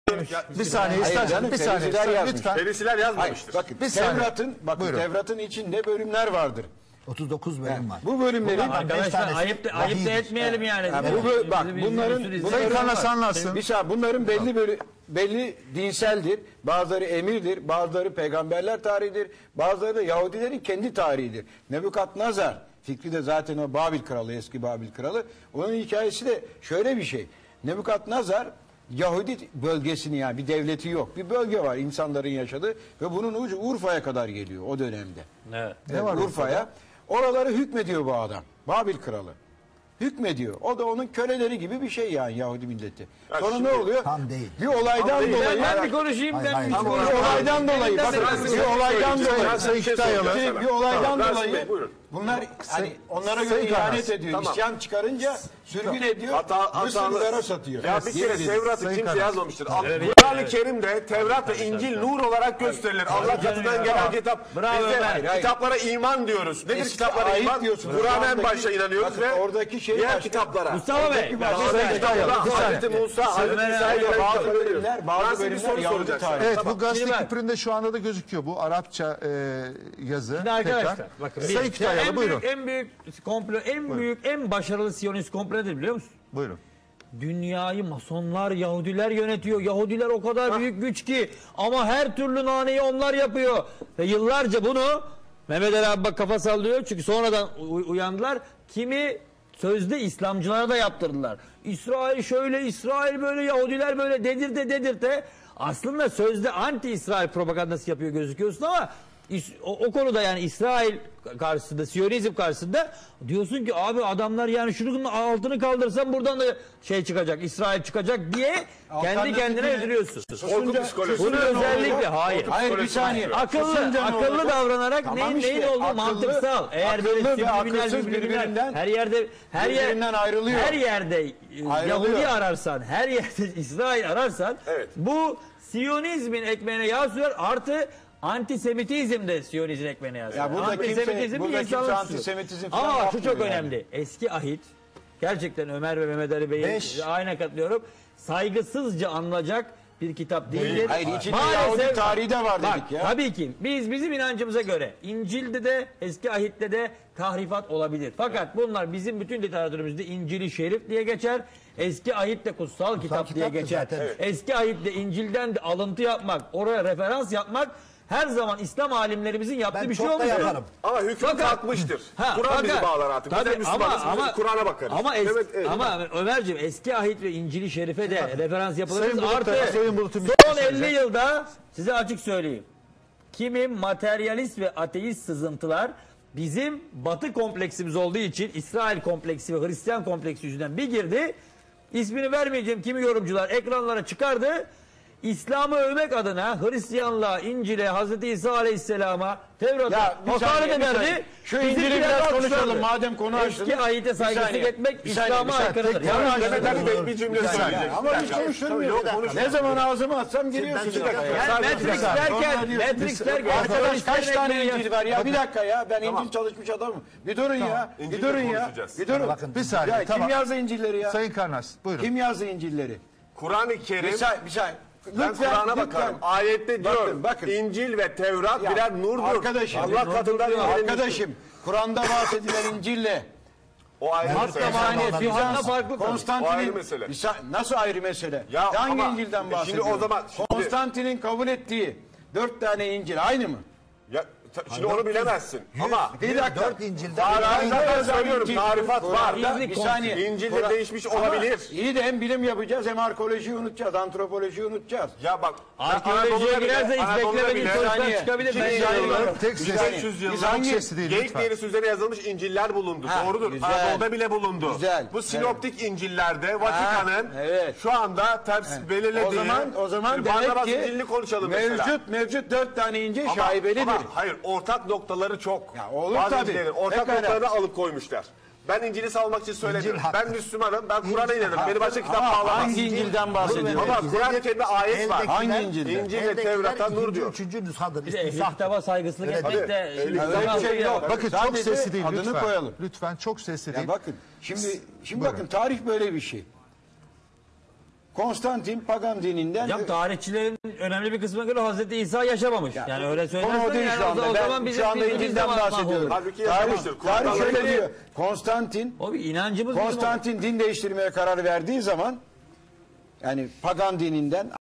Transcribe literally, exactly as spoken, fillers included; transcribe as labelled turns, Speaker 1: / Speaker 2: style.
Speaker 1: Bir saniye istersen bir saniye lütfen.
Speaker 2: Ferisiler yazmamıştır.
Speaker 3: Bakın Tevrat'ın bakın Tevrat'ın içinde bölümler vardır.
Speaker 4: otuz dokuz bölüm
Speaker 3: Yani,
Speaker 4: var.
Speaker 3: bu bölümlerin
Speaker 5: arkadaşlar ayıp da, ayıp da etmeyelim yani.
Speaker 3: yani bu, bak bunların bunların
Speaker 1: anlatsın.
Speaker 3: Bir saniye, bunların belli böyle belli dinseldir. Bazıları emirdir, bazıları peygamberler tarihidir, bazıları da Yahudilerin kendi tarihidir. Nebukadnezar fikri de zaten o Babil kralı, eski Babil kralı. Onun hikayesi de şöyle bir şey. Nebukadnezar Yahudi bölgesini, yani bir devleti yok. Bir bölge var insanların yaşadığı ve bunun ucu Urfa'ya kadar geliyor o dönemde.
Speaker 5: Evet.
Speaker 3: Ne var Urfa'ya? Oraları hükmediyor bu adam. Babil kralı. Hükmediyor. O da onun köleleri gibi bir şey yani Yahudi milleti.
Speaker 2: Ya
Speaker 3: Sonra
Speaker 2: şimdi,
Speaker 3: ne oluyor?
Speaker 4: tam değil.
Speaker 3: Bir olaydan
Speaker 2: değil.
Speaker 3: dolayı.
Speaker 5: Ben bir konuşayım.
Speaker 4: Hayır,
Speaker 5: Ben
Speaker 4: hayır.
Speaker 5: bir
Speaker 4: Tam
Speaker 5: konuşayım.
Speaker 3: Bir olaydan dolayı. Bakın bir olaydan dolayı.
Speaker 2: Sayın Kütahyalı.
Speaker 3: Bir olaydan
Speaker 2: Tamam, Rasim
Speaker 3: dolayı.
Speaker 2: Bey, buyurun.
Speaker 3: Bunlar hani onlara göre
Speaker 1: Sayın
Speaker 3: ihanet
Speaker 1: Karas.
Speaker 3: ediyor.
Speaker 2: Tamam.
Speaker 3: İsyan çıkarınca sürgün ediyor.
Speaker 2: Hata,
Speaker 3: Mısırlılara satıyor.
Speaker 2: Ya bir kere Tevrat'ı
Speaker 1: Sayın
Speaker 2: kimse
Speaker 1: Karas.
Speaker 2: yazmamıştır. Kur'an-ı Kerim'de Tevrat ve İncil nur olarak gösterilir. Allah katından gelen kitap.
Speaker 5: Bravo
Speaker 2: Biz de
Speaker 5: Ömer.
Speaker 3: Hayır.
Speaker 2: kitaplara iman diyoruz. Nedir
Speaker 3: Eski
Speaker 2: kitaplara
Speaker 3: ayet
Speaker 2: iman?
Speaker 3: diyorsunuz.
Speaker 2: Kur'an'a en
Speaker 3: Oradaki-
Speaker 2: başta inanıyoruz
Speaker 3: bakın
Speaker 2: ve
Speaker 3: oradaki şey
Speaker 2: diğer
Speaker 3: başka.
Speaker 2: kitaplara.
Speaker 5: Mustafa Bey.
Speaker 3: Oradaki
Speaker 5: bak,
Speaker 3: başka-
Speaker 5: Sayın
Speaker 1: Kütahyalı, bir saniye.
Speaker 2: Hazreti Musa, Hazreti
Speaker 5: Ömer
Speaker 2: İsa'ya
Speaker 5: abi,
Speaker 2: gelen
Speaker 3: bazı
Speaker 2: kitapları
Speaker 3: bölümler,
Speaker 2: veriyor.
Speaker 3: bazı
Speaker 2: Ben size bir
Speaker 3: bölümler
Speaker 2: soru
Speaker 3: Yahudi
Speaker 2: soracağım.
Speaker 3: tarihi.
Speaker 1: Evet,
Speaker 2: Tamam.
Speaker 1: bu gazete
Speaker 5: Şimdi bak-
Speaker 1: küpüründe şu anda da gözüküyor bu Arapça e, yazı.
Speaker 5: Şimdi arkadaşlar
Speaker 1: Tekrar.
Speaker 5: bakın.
Speaker 1: Sayın
Speaker 5: bir-
Speaker 1: Kütahyalı
Speaker 5: en
Speaker 1: buyurun.
Speaker 5: büyük, en büyük komplo, en büyük, en başarılı Siyonist komplo nedir biliyor musun?
Speaker 1: Buyurun.
Speaker 5: Dünyayı masonlar, Yahudiler yönetiyor. Yahudiler o kadar büyük güç ki ama her türlü naneyi onlar yapıyor. Ve yıllarca bunu Mehmet Ali abi bak kafa sallıyor çünkü sonradan u- uyandılar. Kimi sözde İslamcılara da yaptırdılar. İsrail şöyle, İsrail böyle, Yahudiler böyle dedirte dedirte. Aslında sözde anti-İsrail propagandası yapıyor gözüküyorsun ama İs- o, o konuda yani İsrail karşısında, Siyonizm karşısında diyorsun ki abi adamlar yani şunun altını kaldırsan buradan da şey çıkacak, İsrail çıkacak diye kendi
Speaker 3: Alternatif
Speaker 5: kendine
Speaker 3: ne?
Speaker 5: üzülüyorsun.
Speaker 2: Korku psikolojisi.
Speaker 5: Bunu özellikle hayır.
Speaker 3: Hayır bir saniye.
Speaker 5: Akıllı,
Speaker 3: Susunca ne
Speaker 5: akıllı
Speaker 3: olacak?
Speaker 5: davranarak
Speaker 3: Tamam
Speaker 5: neyin,
Speaker 3: işte,
Speaker 5: neyin olduğu
Speaker 3: akıllı-
Speaker 5: mantıksal. Eğer böyle
Speaker 3: akıllı ve
Speaker 5: subliminal,
Speaker 3: akılsız
Speaker 5: subliminal,
Speaker 3: birbirinden-
Speaker 5: her yerde her yer
Speaker 3: birbirinden ayrılıyor.
Speaker 5: her yerde e,
Speaker 3: Ayrılıyor.
Speaker 5: Yahudi ararsan, her yerde İsrail ararsan
Speaker 2: Evet.
Speaker 5: bu Siyonizmin ekmeğine yağ sürer artı antisemitizm de Siyonizmin ekmeğine yağ sürer.
Speaker 3: Ya burada kimse-
Speaker 5: Antisemitizm
Speaker 3: burada
Speaker 5: bir
Speaker 3: kimse
Speaker 5: insanlık
Speaker 3: antisemitizm
Speaker 5: suçu.
Speaker 3: falan
Speaker 5: Ama şu
Speaker 3: yapmıyor
Speaker 5: çok
Speaker 3: yani.
Speaker 5: önemli. Eski ahit gerçekten Ömer ve Mehmet Ali Bey'in
Speaker 4: Beş.
Speaker 5: aynen katılıyorum. Saygısızca anılacak bir kitap değildir.
Speaker 3: Hayır, içinde Yahudi tarihi de var
Speaker 5: bak,
Speaker 3: dedik ya.
Speaker 5: Tabii ki biz bizim inancımıza göre İncil'de de eski ahitte de tahrifat olabilir. Fakat bunlar bizim bütün literatürümüzde İncil-i Şerif diye geçer. Eski ahitte kutsal, kitap diye
Speaker 4: kitaptır
Speaker 5: geçer.
Speaker 4: zaten. Evet.
Speaker 5: Eski ahitte İncil'den de alıntı yapmak, oraya referans yapmak her zaman İslam alimlerimizin yaptığı
Speaker 4: Ben
Speaker 5: bir şey
Speaker 4: çok da
Speaker 5: olmuş.
Speaker 4: yaparım.
Speaker 2: Ama hüküm
Speaker 5: Fakat-
Speaker 2: kalkmıştır.
Speaker 5: Ha,
Speaker 2: Kur'an bizi
Speaker 5: fakat-
Speaker 2: bağlar artık. Biz
Speaker 5: tabii
Speaker 2: de Müslümanız.
Speaker 5: ama-
Speaker 2: Biz
Speaker 5: ama-
Speaker 2: Kur'an'a bakarız.
Speaker 5: Ama, es-
Speaker 2: Evet, evet.
Speaker 5: ama Ömerciğim eski ahit ve İncil-i Şerif'e de referans yapılabilir.
Speaker 1: Sayın Bulut'a-
Speaker 5: Artı
Speaker 1: Sayın Bulut'un bir şey
Speaker 5: son elli
Speaker 1: söyleyecek.
Speaker 5: yılda size açık söyleyeyim. Kimi materyalist ve ateist sızıntılar bizim Batı kompleksimiz olduğu için İsrail kompleksi ve Hristiyan kompleksi yüzünden bir girdi. İsmini vermeyeceğim kimi yorumcular ekranlara çıkardı. İslam'ı övmek adına Hristiyanlığa, İncil'e, Hazreti İsa Aleyhisselam'a, Tevrat'a
Speaker 3: Ya bir
Speaker 5: hakaret
Speaker 3: saniye, bir saniye.
Speaker 5: ederdi.
Speaker 3: Şu
Speaker 5: Bizimkiler
Speaker 3: İncil'i biraz
Speaker 5: alkışlardı.
Speaker 3: konuşalım madem konu açtınız.
Speaker 5: Eski ayete
Speaker 3: Bir
Speaker 5: saygısızlık
Speaker 3: saniye,
Speaker 5: etmek
Speaker 3: bir saniye,
Speaker 5: İslam'a
Speaker 3: bir saniye.
Speaker 5: aykırıdır.
Speaker 3: Tek-
Speaker 5: Yanlış
Speaker 3: tek-
Speaker 2: Mehmet Ali Bey bir cümle
Speaker 3: Bir saniye.
Speaker 2: söyleyecek.
Speaker 3: Ama hiç konuşturmuyor. Ne zaman ağzıma atsam giriyorsunuz.
Speaker 4: bir dakika.
Speaker 5: Yani
Speaker 3: Sadece
Speaker 5: Matrix
Speaker 3: bir saniye.
Speaker 5: derken,
Speaker 3: Sonra diyorsunuz,
Speaker 5: Matrix derken,
Speaker 3: arkadaş kaç
Speaker 5: Siyonistlerin
Speaker 3: tane
Speaker 5: ekmeği
Speaker 3: İncil var ya? Bir dakika ya. Ben İncil çalışmış adamım. Bir durun ya. Bir
Speaker 2: İncil'le
Speaker 3: durun ya.
Speaker 2: konuşacağız.
Speaker 3: Bir durun.
Speaker 4: Bakın,
Speaker 1: Bir saniye
Speaker 3: Ya
Speaker 1: tamam.
Speaker 3: kim yazdı İncil'leri ya?
Speaker 1: Sayın Karnas buyurun.
Speaker 3: Kim yazdı İncil'leri?
Speaker 2: Kur'an-ı
Speaker 3: Bir
Speaker 2: Kerim,
Speaker 3: saniye, bir saniye.
Speaker 2: ben Kur'an'a bakarım. Ayette diyor,
Speaker 3: Bakın, bakın.
Speaker 2: İncil ve Tevrat
Speaker 3: Ya,
Speaker 2: birer nurdur.
Speaker 3: arkadaşım,
Speaker 2: Allah
Speaker 3: nur
Speaker 2: katından indirilmiştir.
Speaker 3: Arkadaşım, Kur'an'da bahsedilen İncil'le
Speaker 2: O ayrı
Speaker 5: Hatta
Speaker 2: mesele.
Speaker 5: yani Yuhanna farklı tabii.
Speaker 2: O ayrı
Speaker 3: Konstantin'in
Speaker 2: mesele.
Speaker 3: Bir sa- nasıl ayrı mesele?
Speaker 2: Ya
Speaker 3: Hangi
Speaker 2: ama-
Speaker 3: İncil'den
Speaker 2: Şimdi
Speaker 3: bahsediyorsun?
Speaker 2: o zaman- şimdi-
Speaker 3: Konstantin'in kabul ettiği dört tane İncil aynı mı?
Speaker 2: Ya, ta- şimdi onu bilemezsin. Ama
Speaker 3: Bir dakika.
Speaker 4: Dört İncil'de
Speaker 2: Tarihinde ben
Speaker 3: yazan
Speaker 2: söylüyorum,
Speaker 3: İncil,
Speaker 2: tarifat var.
Speaker 3: Kur'an'da bir saniye.
Speaker 2: İncil'de
Speaker 3: Kur'an-
Speaker 2: değişmiş
Speaker 3: Ama
Speaker 2: olabilir.
Speaker 3: İyi de hem bilim yapacağız hem arkeolojiyi unutacağız, antropolojiyi unutacağız.
Speaker 2: Ya bak,
Speaker 5: Arkeolojiye
Speaker 2: Anadolu'da bile-
Speaker 5: girerse hiç
Speaker 2: Anadolu'da
Speaker 5: beklemediğin
Speaker 2: bile-
Speaker 5: sonuçlar
Speaker 3: saniye.
Speaker 5: çıkabilir.
Speaker 3: Şimdi
Speaker 5: Ben
Speaker 3: yani-
Speaker 5: inanıyorum.
Speaker 1: Tek
Speaker 2: Biz
Speaker 1: ses,
Speaker 2: beş yüz
Speaker 3: Biz
Speaker 1: çok
Speaker 3: hangi-
Speaker 1: sesli değil
Speaker 2: Geyik
Speaker 1: lütfen.
Speaker 2: derisi üzerine yazılmış İncil'ler bulundu.
Speaker 3: Ha,
Speaker 2: Doğrudur.
Speaker 3: güzel.
Speaker 2: Anadolu'da bile bulundu.
Speaker 3: Güzel.
Speaker 2: Bu sinoptik İncil'lerde Vatikan'ın
Speaker 3: evet.
Speaker 2: şu anda ters belirlediği.
Speaker 3: O zaman o zaman
Speaker 2: Şimdi
Speaker 3: demek
Speaker 2: Barnabas
Speaker 3: ki
Speaker 2: İncil'ini konuşalım
Speaker 3: mevcut
Speaker 2: mesela.
Speaker 3: mevcut dört tane İncil
Speaker 2: Ama-
Speaker 3: şaibelidir.
Speaker 2: ama hayır, ortak noktaları çok.
Speaker 3: Ya olur
Speaker 2: Bazı
Speaker 3: tabii.
Speaker 2: İncil'lerin ortak
Speaker 3: Pekala.
Speaker 2: noktalarını alıp koymuşlar. Ben İncil'i savunmak için söyledim.
Speaker 4: İncil haktır.
Speaker 2: Ben Müslümanım. Ben Kur'an'a inanırım. Beni başka kitap
Speaker 3: Ama
Speaker 2: bağlamaz.
Speaker 3: hangi İncil'den bahsediyorsun?
Speaker 2: Ama Kur'an-ı Kerim'de ayet var.
Speaker 3: Hangi İncil'de?
Speaker 2: İncil ve Tevrat'ta nur diyor.
Speaker 4: Üçüncü nüshadır.
Speaker 5: Bir de ehli kitaba saygısızlık etmek
Speaker 2: tabii.
Speaker 5: de
Speaker 2: Ehli
Speaker 5: zaman
Speaker 3: Öyle bir şey
Speaker 5: alıyor.
Speaker 3: yok.
Speaker 1: Bakın çok
Speaker 3: Sadece
Speaker 1: sesli değil
Speaker 3: adını
Speaker 1: lütfen.
Speaker 3: koyalım.
Speaker 1: Lütfen çok sesli
Speaker 3: Ya
Speaker 1: değil.
Speaker 3: bakın şimdi şimdi
Speaker 1: Buyurun.
Speaker 3: bakın tarih böyle bir şey. Konstantin pagan dininden
Speaker 5: Hocam tarihçilerin önemli bir kısmına göre Hazreti İsa yaşamamış.
Speaker 3: Ya,
Speaker 5: yani öyle
Speaker 3: konu o
Speaker 5: söylersen
Speaker 3: değil
Speaker 5: yani
Speaker 3: şu anda.
Speaker 5: o, o
Speaker 3: Ben
Speaker 5: zaman bizim
Speaker 3: şu anda
Speaker 5: dinimiz de
Speaker 3: İncil'den
Speaker 5: mahvolur.
Speaker 3: bahsediyorum.
Speaker 2: Halbuki
Speaker 3: Tarih,
Speaker 2: yaşamıştır.
Speaker 3: tarih
Speaker 2: Kur'an'da
Speaker 3: şöyle
Speaker 2: öyle
Speaker 3: diyor. Konstantin
Speaker 5: O bir inancımız bizim o.
Speaker 3: Konstantin din değiştirmeye karar verdiği zaman yani pagan dininden